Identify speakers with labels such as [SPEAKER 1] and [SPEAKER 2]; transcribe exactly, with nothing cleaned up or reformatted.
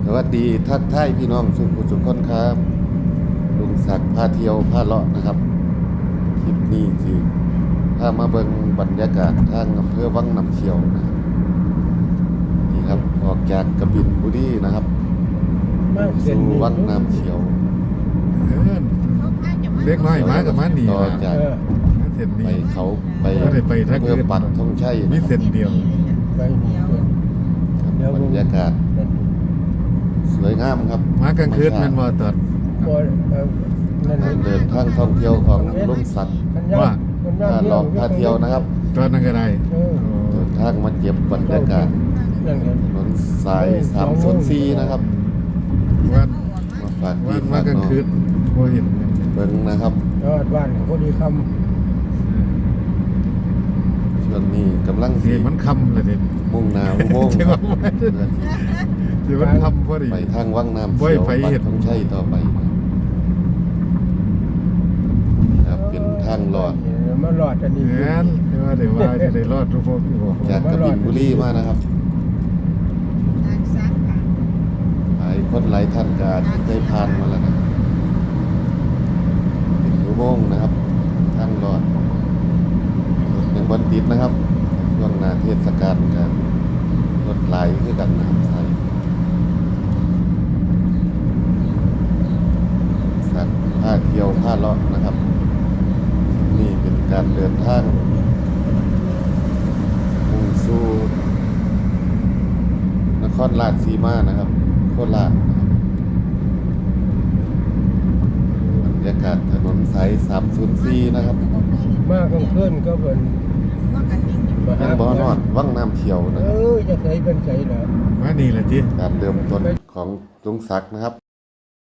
[SPEAKER 1] วัสดีทักทายพี่น้องสุขุสุขคนครับลุงศักดิ์พาเที่ยวพาเลาะนะครับคลิปนี้สิพามาเบิ่งบรรยากาศทางอำเภอวังน้ำเขียวนะครับนี่ครับออกจากกบินบุรีนะครับสู่วังน้ำเขียว
[SPEAKER 2] เออเล็กน้อยมากับมาหนี
[SPEAKER 1] ต่อ
[SPEAKER 2] นะ
[SPEAKER 1] จาก
[SPEAKER 2] เส้น
[SPEAKER 1] ไป
[SPEAKER 2] นี้
[SPEAKER 1] เขาไป
[SPEAKER 2] ก็ได้ไปทางอื่น
[SPEAKER 1] เพื่อปักธงชัย
[SPEAKER 2] มี
[SPEAKER 1] นะครับ
[SPEAKER 2] เส้นเดียว
[SPEAKER 3] ไปเดียว
[SPEAKER 1] ครับบรรยากาศสวยงามครับ
[SPEAKER 2] มากลางคืนแมันว่าตอด
[SPEAKER 3] บ่เอ่อนั่น
[SPEAKER 1] เดินทางท่องเที่ยวของลุงศักดิ์
[SPEAKER 2] ว่า
[SPEAKER 1] พาเลาะพาเที่ยวนะครับ
[SPEAKER 2] ตอนนั้นก็ได้
[SPEAKER 3] เออ
[SPEAKER 1] เดินทางมาเก็บบรรยากาศ
[SPEAKER 3] นั่นไง
[SPEAKER 1] ถนนสายสามศูนย์สี่นะครับ
[SPEAKER 2] วัน
[SPEAKER 1] มาฝาก
[SPEAKER 2] วั
[SPEAKER 1] พี่
[SPEAKER 2] น
[SPEAKER 1] ฝาม
[SPEAKER 2] าก กลาง
[SPEAKER 1] น้อง
[SPEAKER 2] คืนบ่เห็น
[SPEAKER 1] เบิ่งนะครับ
[SPEAKER 3] ยอดบ้านของพอดีค
[SPEAKER 1] ช่วงนี้กำลัง
[SPEAKER 2] เสี
[SPEAKER 1] สิ
[SPEAKER 2] ยมันคำเลยเด็ด
[SPEAKER 1] มุ่งหน้าอุโมงค์
[SPEAKER 2] ใช่
[SPEAKER 1] ค
[SPEAKER 2] ว่า
[SPEAKER 1] รับเพื่อที่
[SPEAKER 2] เสียมันคำพอดี
[SPEAKER 1] ไปทางวังน้ำ
[SPEAKER 2] บ่
[SPEAKER 1] เขียว
[SPEAKER 2] ไป
[SPEAKER 1] ปั
[SPEAKER 2] เห็
[SPEAKER 1] ก
[SPEAKER 2] น
[SPEAKER 1] ธงชัยต่อไปค
[SPEAKER 3] ำ
[SPEAKER 1] รับเป็นทางลอด
[SPEAKER 3] มันหลอดอันนี้
[SPEAKER 2] งานแต่ว่าเดี๋ยวว่าจะได้รอดทุกพวกที่บอก
[SPEAKER 1] จากกบินบุรีมานะครับหลายคนหลายท่านก็อาจจะเคยผ่านมาแล้วนะเป็นอุโมงค์นะครับทางลอดรถยังบนติดนะครับช่วงหน้าเทศกาลกันรถไหลคือกันนะครับใส่สัตว์ผ้าเที่ยวผ้าเลาะนะครับนี่เป็นการเดินทางมุ่งสู่นครราชสีมานะครับโคราชนะครับบรรยากาศถนนสายสามศูนย์สี่นะครับ
[SPEAKER 3] มากลางคืนก็เป็น
[SPEAKER 1] ยังบ่อนอดวังน้ำเขียวนะ
[SPEAKER 3] เอ
[SPEAKER 1] ครับ
[SPEAKER 3] อจะใส่เป็นใส่เหรอ
[SPEAKER 2] ว่านี่แหละจี
[SPEAKER 1] การเริ่มต้นของลุงศักดิ์นะครับ